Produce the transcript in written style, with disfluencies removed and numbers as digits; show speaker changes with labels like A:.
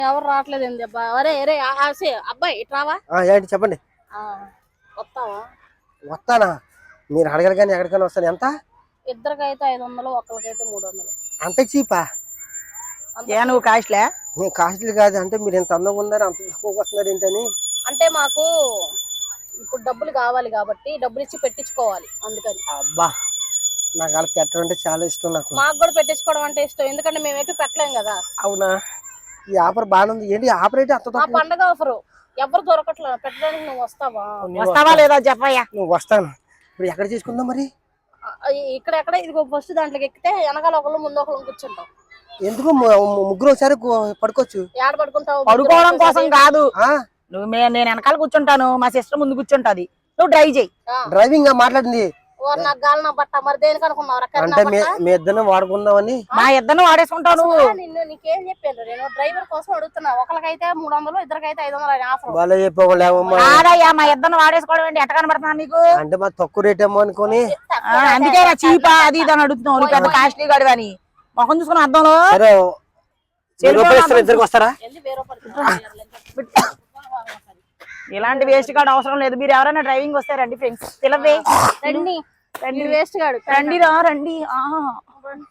A: ఎవరు రావట్లేదు ఏంది అబ్బా? అరే అరే అబ్బాయి ఇట్రావా?
B: ఏంటి చెప్పండి.
A: వస్తావా?
B: వస్తానా? మీరు అడగరు కానీ ఎక్కడికైనా వస్తాను. ఎంత?
A: ఇద్దరికైతే 500, ఒక్కరికైతే 300.
B: అంత చీపా?
C: నువ్వు కాస్ట్లే?
B: నేను కాస్ట్లీ కాదు. అంటే మీరు ఎంత అందంగా ఉన్నారు, అంత తక్కువకి వస్తున్నారు ఏంటని.
A: అంటే మాకు ఇప్పుడు డబ్బులు కావాలి కాబట్టి డబ్బులు ఇచ్చి పెట్టించుకోవాలి, అందుకని.
B: అబ్బా, నాకు అలా పెట్టడం అంటే చాలా ఇష్టం.
A: మాకు కూడా పెట్టించుకోవడం అంటే ఇష్టం, ఎందుకంటే మేము ఎటు పెట్టలేం కదా.
B: అవునా? ఈ ఆఫర్ బాగానే ఉంది. ఏంటి ఆఫర్ అయితే అంత
A: పండగ ఆఫర్ ఎవరు దొరకట్లేదు పెట్టడానికి. నువ్వు
C: వస్తావా లేదా చెప్పయ్యా?
B: నువ్వు వస్తాను. ఇప్పుడు ఎక్కడ చేసుకుందాం మరి?
A: ఇక్కడ ఇదిగో ఫస్ట్ దాంట్లోకి ఎక్కితే వెనకాల ఒకళ్ళు ముందు ఒకళ్ళు కూర్చుంటాం.
B: ఎందుకు ముగ్గురు ఒకసారి పడుకోవచ్చు?
A: ఏడ పడుకుంటావు?
C: పడుకోవడం కోసం కాదు. నేను వెనకాల కూర్చుంటాను, మా సిస్టర్ ముందు కూర్చుంటది, నువ్వు డ్రైవ్ చేయి.
B: డ్రైవింగ్ మాట్లాడింది.
A: నాకు గాలి నా బట్ట మరి దేనికి అనుకున్నావు?
B: అంటే మీ ఇద్దరిని వాడుకుందామని.
C: మా ఇద్దరిని వాడేసుకుంటావు నువ్వు.
A: నీకేం చెప్పాను, నేను డ్రైవర్ కోసం అడుగుతున్నా. ఒకరికైతే 300, ఇద్దరికైతే 500 ఆఫర్.
B: వాళ్ళే చెప్పలేమమ్మా.
C: మా ఇద్దరిని వాడేసుకోవడం ఏంటి? ఎట్ట కనబడుతున్నా నీకు?
B: అంటే మా తక్కువ రేట్ ఏమో అనుకోని
C: అందుకే చీపా అది ఇది అని అడుగుతున్నావు. నువ్వు పెద్ద కాస్ట్లీ గాడు అని మొహం చూసుకుని అద్దంలో.
B: ఇద్దరికి వస్తారా?
C: ఇలాంటి వేస్ట్ కార్డు అవసరం లేదు. మీరు ఎవరైనా డ్రైవింగ్ వస్తే రండి ఫ్రెండ్స్. పిలవే
A: రండి. వేస్ట్ కాడు
C: రండి రండి.